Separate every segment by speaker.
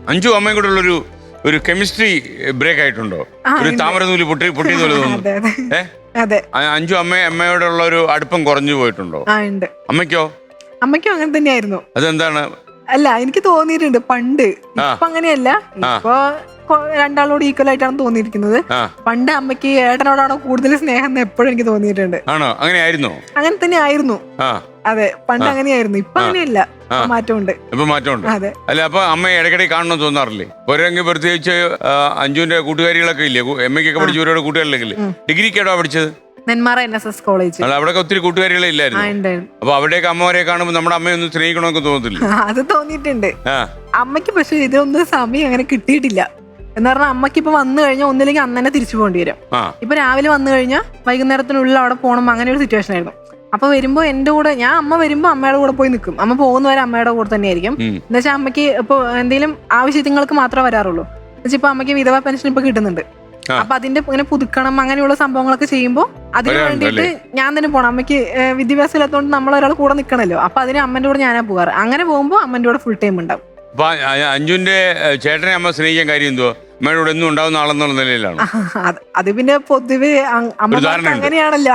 Speaker 1: അഞ്ചു അമ്മയും കൂടെ ഉള്ളൊരു ഒരു കെമിസ്ട്രി ബ്രേക്ക് ആയിട്ടുണ്ടോ? ഒരു താമരനൂല് പൊട്ടിയതുപോലെ തോന്നുന്നു. അഞ്ചു അമ്മയോടുള്ള ഒരു അടുപ്പം കുറഞ്ഞു പോയിട്ടുണ്ടോ? അമ്മയ്ക്കോ?
Speaker 2: അമ്മയ്ക്കും അങ്ങനെ തന്നെയായിരുന്നു.
Speaker 1: അതെന്താണ്?
Speaker 2: അല്ല, എനിക്ക് തോന്നിയിട്ടുണ്ട് പണ്ട്. ഇപ്പൊ അങ്ങനെയല്ല, ഇപ്പൊ രണ്ടാളോട് ഈക്വൽ ആയിട്ടാണ് തോന്നിയിരിക്കുന്നത്. പണ്ട് അമ്മയ്ക്ക് ഏട്ടനോടാണോ കൂടുതൽ സ്നേഹം എന്ന് എപ്പോഴും എനിക്ക് തോന്നിയിട്ടുണ്ട്.
Speaker 1: ആണോ? അങ്ങനെയായിരുന്നു?
Speaker 2: അങ്ങനെ തന്നെ ആയിരുന്നു. അതെ, പണ്ട് അങ്ങനെയായിരുന്നു. ഇപ്പൊ അങ്ങനെയല്ല, മാറ്റമുണ്ട്.
Speaker 1: ഇപ്പൊ മാറ്റമുണ്ട്.
Speaker 2: അതെ.
Speaker 1: അല്ല, അപ്പൊ അമ്മ ഇടയ്ക്കിടയ്ക്ക് കാണണമെന്ന് തോന്നാറില്ലേ? പോരെങ്കിൽ പ്രത്യേകിച്ച് അഞ്ജുവിന്റെ കൂട്ടുകാരികളൊക്കെ ഇല്ലേ, എമ്മയ്ക്കൊക്കെ പഠിച്ചവരോട് കൂട്ടുകാരില്ലെങ്കിൽ ഡിഗ്രിക്കാണോ പഠിച്ചത്?
Speaker 2: Nenmara NSS college.
Speaker 1: അവിടെ ഒത്തിരി കൂട്ടുകാരികളെ ഇല്ലായിരുന്നു. അപ്പൊ അവിടേക്ക് അമ്മമാരെ കാണുമ്പോൾ നമ്മുടെ അമ്മയൊന്നും സ്നേഹിക്കണമെന്നൊക്കെ തോന്നത്തില്ല?
Speaker 2: അത് തോന്നിയിട്ടുണ്ട് അമ്മയ്ക്ക്. പക്ഷെ ഇതൊന്നും സമയം അങ്ങനെ കിട്ടിയിട്ടില്ല. എന്ന് പറഞ്ഞാൽ അമ്മയ്ക്ക് ഇപ്പൊ വന്നു കഴിഞ്ഞാൽ ഒന്നില്ലെങ്കിൽ അന്ന് തന്നെ തിരിച്ചു പോകേണ്ടി വരും. ഇപ്പൊ രാവിലെ വന്നു കഴിഞ്ഞാൽ വൈകുന്നേരത്തിനുള്ളിൽ അവിടെ പോകണം, അങ്ങനെ ഒരു സിറ്റുവേഷൻ ആയിരുന്നു. അപ്പൊ വരുമ്പോ എന്റെ കൂടെ അമ്മ വരുമ്പോ അമ്മയുടെ കൂടെ പോയി നിൽക്കും. അമ്മ പോകുന്നവരെ അമ്മയുടെ കൂടെ തന്നെ ആയിരിക്കും. എന്ന് വെച്ചാൽ അമ്മയ്ക്ക് ഇപ്പൊ എന്തെങ്കിലും ആവശ്യങ്ങൾക്ക് മാത്രമേ വരാറുള്ളൂ. എന്നുവെച്ചാൽ ഇപ്പൊ അമ്മയ്ക്ക് വിധവാ പെൻഷൻ ഇപ്പൊ കിട്ടുന്നുണ്ട്. അപ്പൊ അതിന്റെ ഇങ്ങനെ പുതുക്കണം, അങ്ങനെയുള്ള സംഭവങ്ങളൊക്കെ ചെയ്യുമ്പോ അതിന് വേണ്ടിയിട്ട് ഞാൻ തന്നെ പോണം. അമ്മയ്ക്ക് വിദ്യാഭ്യാസം ഇല്ലാത്തതുകൊണ്ട് നമ്മളൊരാൾ കൂടെ നിൽക്കണല്ലോ. അപ്പൊ അതിന് അമ്മന്റെ കൂടെ ഞാനാ പോകാറ്. അങ്ങനെ പോകുമ്പോ അമ്മന്റെ കൂടെ ഫുൾ ടൈം ഉണ്ടാവും.
Speaker 1: അഞ്ജുന്റെ ചേട്ടനെ അമ്മ സ്നേഹിക്കാൻ കാര്യം എന്തോ? അമ്മയുടെ കൂടെ എന്നും ഉണ്ടാവുന്ന ആളെന്നുള്ള നിലയിലാണ്.
Speaker 2: അത് പിന്നെ പൊതുവെ അങ്ങനെയാണല്ലോ,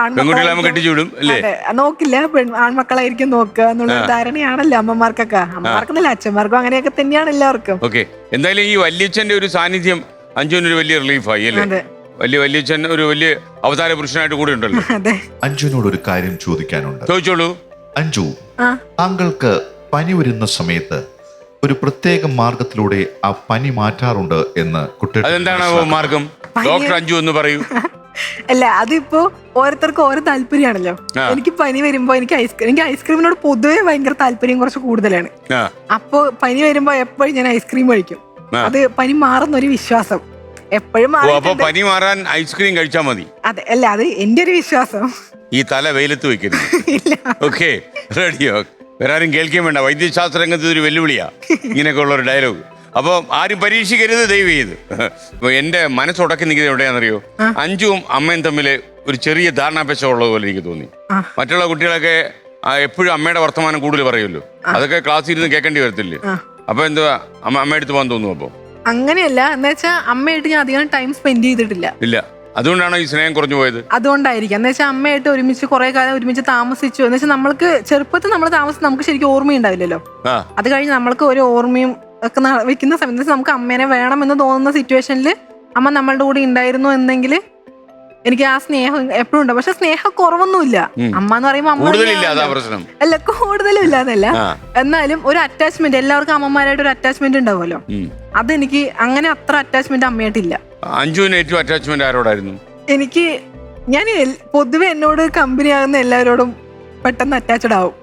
Speaker 2: നോക്കില്ല ആൺമക്കളായിരിക്കും നോക്കുക എന്നുള്ള ധാരണയാണല്ലോ അമ്മമാർക്കൊക്കെ. അമ്മമാർക്കെന്നല്ല, അച്ഛന്മാർക്കും അങ്ങനെയൊക്കെ തന്നെയാണ് എല്ലാവർക്കും.
Speaker 1: ഓക്കെ, എന്തായാലും ഈ വല്യച്ഛന്റെ ഒരു സാന്നിധ്യം അഞ്ജുവിനൊരു വലിയ റിലീഫായി അല്ലേ? വല്യച്ഛൻ ഒരു വലിയ അവതാര പുരുഷനായിട്ട് കൂടെ ഉണ്ടല്ലോ.
Speaker 3: അഞ്ജുവിനോട് ഒരു കാര്യം ചോദിക്കാനുണ്ട്.
Speaker 1: ചോദിച്ചോളൂ.
Speaker 3: അഞ്ജു, താങ്കൾക്ക് പനി വരുന്ന സമയത്ത് ഒരു പ്രത്യേക മാർഗത്തിലൂടെ ആ പനി മാറ്റാറുണ്ട് എന്ന് കുട്ടി,
Speaker 1: അതെന്താണ് മാർഗം? ഡോക്ടർ അഞ്ജു എന്ന് പറയൂ.
Speaker 2: അല്ല, അതിപ്പോ ഓരോരുത്തർക്കും ഓരോ താല്പര്യമാണല്ലോ. എനിക്ക് പനി വരുമ്പോ എനിക്ക് ഐസ്ക്രീമിനോട് പൊതുവെ ഭയങ്കര താല്പര്യം കുറച്ച് കൂടുതലാണ്. അപ്പൊ പനി വരുമ്പോ എപ്പോഴും ഞാൻ ഐസ്ക്രീം കഴിക്കും. അത് പനി മാറുന്നൊരു വിശ്വാസം എപ്പോഴും.
Speaker 1: പനി മാറാൻ ഐസ്ക്രീം കഴിച്ചാൽ മതി?
Speaker 2: അതെ, അല്ല, അത് എന്റെ ഒരു വിശ്വാസം.
Speaker 1: ഈ തല വെയിലത്ത് വെക്കരുത്. ഓക്കെ, റെഡിയോ? വേറെ ആരും കേൾക്കാൻ വേണ്ട. വൈദ്യശാസ്ത്ര രംഗത്ത് ഒരു വെല്ലുവിളിയാ ഇങ്ങനെയൊക്കെ ഉള്ള ഒരു ഡയലോഗ്. അപ്പോൾ ആരും പരീക്ഷിക്കരുത്, ദയവ് ചെയ്ത്. എന്റെ മനസ്സുടക്കി നിൽക്കുന്നത് എവിടെയാണെന്നറിയോ? അഞ്ജുവും അമ്മയും തമ്മിൽ ഒരു ചെറിയ ധാരണാപേക്ഷ ഉള്ളതുപോലെ എനിക്ക് തോന്നി. മറ്റുള്ള കുട്ടികളൊക്കെ എപ്പോഴും അമ്മയുടെ വർത്തമാനം കൂടുതൽ പറയുമല്ലോ, അതൊക്കെ ക്ലാസ്സിൽ ഇരുന്ന് കേൾക്കേണ്ടി വരത്തില്ലേ? അപ്പൊ എന്തുവാ അമ്മയടുത്ത് പോകാൻ തോന്നുന്നു? അപ്പൊ അങ്ങനെയല്ല,
Speaker 2: എന്ന് വെച്ചാൽ അമ്മയായിട്ട് ഞാൻ അധികം ടൈം സ്പെൻഡ് ചെയ്തിട്ടില്ല.
Speaker 1: ഇല്ല, അതുകൊണ്ടാണ് ഈ സ്നേഹം കുറഞ്ഞു പോയത്.
Speaker 2: അതുകൊണ്ടായിരിക്കും. എന്ന് വെച്ചാൽ അമ്മയായിട്ട് ഒരുമിച്ച് കുറെ കാലം ഒരുമിച്ച് താമസിച്ചു. എന്ന് വെച്ചാൽ നമ്മൾക്ക് ചെറുപ്പത്തിൽ നമ്മൾ താമസിച്ച് നമുക്ക് ശരിക്കും ഓർമ്മയുണ്ടാവില്ലല്ലോ. അത് കഴിഞ്ഞ് നമ്മൾക്ക് ഒരു ഓർമ്മയും ഒക്കെ വെക്കുന്ന സമയത്ത് നമുക്ക് അമ്മേനെ വേണമെന്ന് തോന്നുന്ന സിറ്റുവേഷനിൽ അമ്മ നമ്മളുടെ കൂടെ ഉണ്ടായിരുന്നു എന്നെങ്കിൽ എനിക്ക് ആ സ്നേഹം എപ്പോഴും ഉണ്ട്. പക്ഷെ സ്നേഹം കുറവൊന്നുമില്ല. അമ്മ എന്ന് പറയുമ്പോൾ അമ്മ അല്ല, കൂടുതലും ഇല്ലാന്നല്ല, എന്നാലും ഒരു അറ്റാച്ച്മെന്റ്, എല്ലാവർക്കും അമ്മമാരായിട്ട് ഒരു അറ്റാച്ച്മെന്റ് ഉണ്ടാവുമല്ലോ. അതെനിക്ക് അങ്ങനെ അത്ര അറ്റാച്ച്മെന്റ് അമ്മയായിട്ടില്ല.
Speaker 1: അഞ്ജുവിന് ഏറ്റവും അറ്റാച്ച്മെന്റ് ആരോടായിരുന്നു?
Speaker 2: എനിക്ക് ഞാൻ പൊതുവെ എന്നോട് കമ്പനി ആകുന്ന എല്ലാവരോടും പെട്ടെന്ന് അറ്റാച്ച്ഡ് ആവും.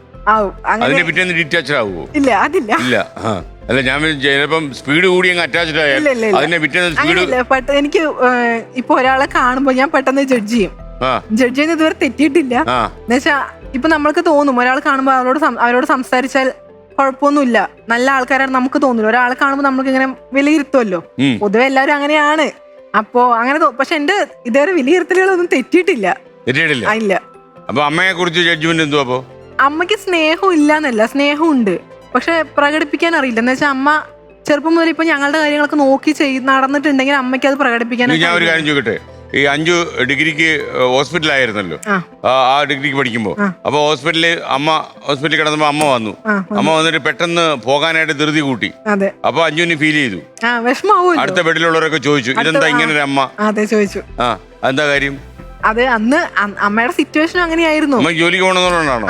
Speaker 2: ഇല്ല, അതില്ല.
Speaker 1: അല്ല, ഞാൻ ചിലപ്പം സ്പീഡ് കൂടി അറ്റാച്ച്ഡ് ആയാൽ
Speaker 2: എനിക്ക് ഇപ്പൊ ഒരാളെ കാണുമ്പോ ഞാൻ പെട്ടെന്ന് ജഡ്ജ് ചെയ്യും. ജഡ്ജ് ചെയ്യുന്നത് ഇതുവരെ തെറ്റിയിട്ടില്ല. എന്നുവെച്ചാ ഇപ്പൊ നമ്മൾക്ക് തോന്നും ഒരാൾ കാണുമ്പോ അവരോട് സംസാരിച്ചാൽ കുഴപ്പമൊന്നുമില്ല, നല്ല ആൾക്കാരാണ് നമുക്ക് തോന്നില്ല. ഒരാളെ കാണുമ്പോൾ നമുക്ക് ഇങ്ങനെ വിലയിരുത്തുമല്ലോ, പൊതുവെ എല്ലാവരും അങ്ങനെയാണ്. അപ്പോ അങ്ങനെ പക്ഷെ എന്റെ ഇതുവരെ വിലയിരുത്തലുകളൊന്നും തെറ്റിയിട്ടില്ല. ഇല്ല.
Speaker 1: അപ്പൊ അമ്മയെ കുറിച്ച് ജഡ്ജ്മെന്റ് എന്തുവാ? അപ്പൊ
Speaker 2: അമ്മയ്ക്ക് സ്നേഹം ഇല്ലാന്നല്ല, സ്നേഹം ഉണ്ട്, പക്ഷെ പ്രകടിപ്പിക്കാൻ അറിയില്ല. എന്ന് വെച്ചാൽ അമ്മ ചെറുപ്പം മുതൽ ഇപ്പൊ ഞങ്ങളുടെ കാര്യങ്ങളൊക്കെ നോക്കി നടന്നിട്ടുണ്ടെങ്കിൽ അമ്മയ്ക്ക് അത് പ്രകടിപ്പിക്കാൻ.
Speaker 1: ഞാൻ ഒരു കാര്യം ചോദിക്കട്ടെ, ഈ അഞ്ജു ഡിഗ്രിക്ക് ഹോസ്പിറ്റലായിരുന്നല്ലോ, ആ ഡിഗ്രിക്ക് പഠിക്കുമ്പോ. അപ്പൊ ഹോസ്പിറ്റലിൽ കിടന്നപ്പോ അമ്മ വന്നിട്ട് പെട്ടെന്ന് പോകാനായിട്ട് ധൃതി കൂട്ടി. അപ്പൊ അഞ്ജുവിന് ഫീൽ ചെയ്തു, അടുത്ത ബെഡിലുള്ളവരൊക്കെ ചോദിച്ചു ഇതെന്താ ഇങ്ങനെ ഒരു അമ്മ?
Speaker 2: അതെ, ചോദിച്ചു.
Speaker 1: എന്താ കാര്യം?
Speaker 2: അത് അന്ന് അമ്മയുടെ സിറ്റുവേഷൻ അങ്ങനെയായിരുന്നു.
Speaker 1: ജോലിക്ക് പോകണമെന്നുള്ളതാണോ?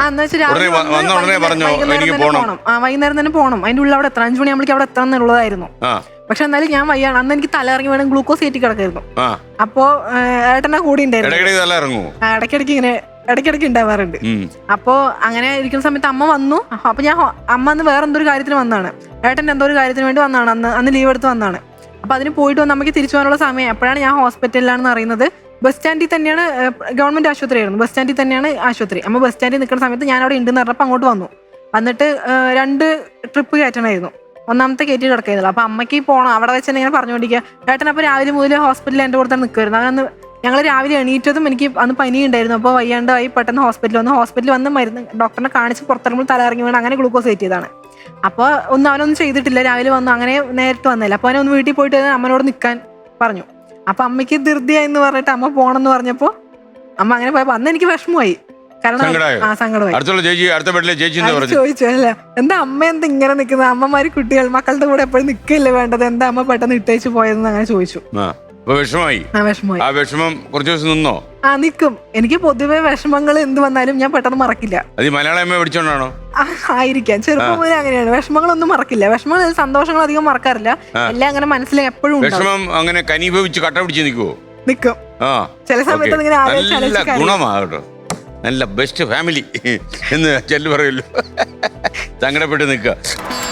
Speaker 2: വൈകുന്നേരം തന്നെ പോകണം, അതിന്റെ ഉള്ളിൽ അവിടെ എത്ര 5 മണിയാകുമ്പോഴേക്കും അവിടെ എത്തണം എന്നുള്ളതായിരുന്നു. പക്ഷെ എന്നാലും ഞാൻ വയ്യാണ്. അന്ന് എനിക്ക് തല ഇറങ്ങി വേണം ഗ്ലൂക്കോസ് കയറ്റി കിടക്കായിരുന്നു. അപ്പോ ഏട്ടനെ കൂടി ഉണ്ടായിരുന്നു. ഇടയ്ക്കിടയ്ക്ക് ഉണ്ടാവാറുണ്ട്. അപ്പോ അങ്ങനെ ഇരിക്കുന്ന സമയത്ത് അമ്മ വന്നു. അപ്പൊ അമ്മ അന്ന് വേറെ എന്തോ ഒരു കാര്യത്തിന് വന്നാണ്, ഏട്ടൻ എന്തോ ഒരു കാര്യത്തിന് വേണ്ടി വന്നാണ്. അന്ന് ലീവ് എടുത്ത് വന്നാണ്. അപ്പൊ അതിന് പോയിട്ട് വന്ന് അമ്മയ്ക്ക് തിരിച്ചു പോകാനുള്ള സമയം. അപ്പോഴാണ് ഞാൻ ഹോസ്പിറ്റലിലാണെന്ന് അറിയുന്നത്. ബസ് സ്റ്റാൻഡിൽ തന്നെയാണ്, ഗവൺമെന്റ് ആശുപത്രി ആയിരുന്നു, ബസ് സ്റ്റാൻഡിൽ തന്നെയാണ് ആശുപത്രി. അമ്മ ബസ് സ്റ്റാൻഡിൽ നിൽക്കുന്ന സമയത്ത് ഞാൻ അവിടെ ഉണ്ടെന്ന് പറഞ്ഞപ്പോൾ അങ്ങോട്ട് വന്നിട്ട് 2 ട്രിപ്പ് കയറ്റണമായിരുന്നു. ഒന്നാമത്തെ കയറ്റി കിടക്കായിരുന്നല്ലോ. അപ്പൊ അമ്മയ്ക്ക് പോകണം. അവിടെ വെച്ച് ഇങ്ങനെ പറഞ്ഞുകൊണ്ടിരിക്കുക. ഏട്ടനപ്പോൾ രാവിലെ മുതൽ ഹോസ്പിറ്റലിൽ എൻ്റെ കൂടെ തന്നെ നിൽക്കുമായിരുന്നു. അവനന്ന് ഞങ്ങൾ രാവിലെ എണീറ്റതും എനിക്ക് അന്ന് പനി ഉണ്ടായിരുന്നു. അപ്പോൾ വയ്യാണ്ടായി പെട്ടെന്ന് ഹോസ്പിറ്റലിൽ വന്ന് മരുന്ന് ഡോക്ടറിനെ കാണിച്ച് പുറത്തിറങ്ങുമ്പോൾ തല ഇറങ്ങി വീണ് അങ്ങനെ ഗ്ലൂക്കോസ് കയറ്റിയതാണ്. അപ്പോൾ ഒന്നും അവനൊന്നും ചെയ്തിട്ടില്ല, രാവിലെ വന്നു, അങ്ങനെ നേരിട്ട് വന്നില്ല. അപ്പോൾ അവനൊന്ന് വീട്ടിൽ പോയിട്ട് അമ്മനോട് നിൽക്കാൻ പറഞ്ഞു. അപ്പൊ അമ്മയ്ക്ക് ധൃതിയായെന്ന് പറഞ്ഞിട്ട് അമ്മ പോണെന്ന് പറഞ്ഞപ്പോ അമ്മ അങ്ങനെ പോയപ്പോ അന്ന് എനിക്ക് വിഷമമായി. കാരണം സങ്കടമായി. ചോദിച്ചു അല്ല എന്താ അമ്മ എന്താ ഇങ്ങനെ നിക്കുന്നത്, അമ്മമാര് കുട്ടികൾ മക്കളുടെ കൂടെ എപ്പോഴും നിൽക്കില്ലേ വേണ്ടത്, എന്താ അമ്മ പെട്ടെന്ന് ഇട്ടേച്ച് പോയതെന്ന് അങ്ങനെ ചോദിച്ചു.
Speaker 1: വിഷമമായി. ആ വിഷമം കുറച്ച് ദിവസം നിന്നോ?
Speaker 2: നിക്കും. എനിക്ക് പൊതുവെ വിഷമങ്ങൾ എന്ത് വന്നാലും ഞാൻ പെട്ടെന്ന് മറക്കില്ല.
Speaker 1: അത് മലയാളം അമ്മ പഠിച്ചോണ്ടാണോ?
Speaker 2: ആയിരിക്കാം. ചെറുപ്പം മുതലേ അങ്ങനെയാണ്. വിഷമങ്ങളൊന്നും മറക്കില്ല. വിഷമങ്ങൾ, സന്തോഷങ്ങൾ അധികം മറക്കാറില്ല. എല്ലാം അങ്ങനെ മനസ്സിൽ എപ്പോഴും
Speaker 1: വിഷമം അങ്ങനെ കനിഭവിച്ച് കട്ട പിടിച്ച് നിൽക്കുവോ?
Speaker 2: നിക്കും. ചില സമയത്ത്
Speaker 1: നല്ല ഗുണമാകട്ടോ, നല്ല ബെസ്റ്റ് ഫാമിലി എന്ന് ചെല്ലു പറയുമല്ലോ. സങ്കടപ്പെട്ട് നിൽക്കുക.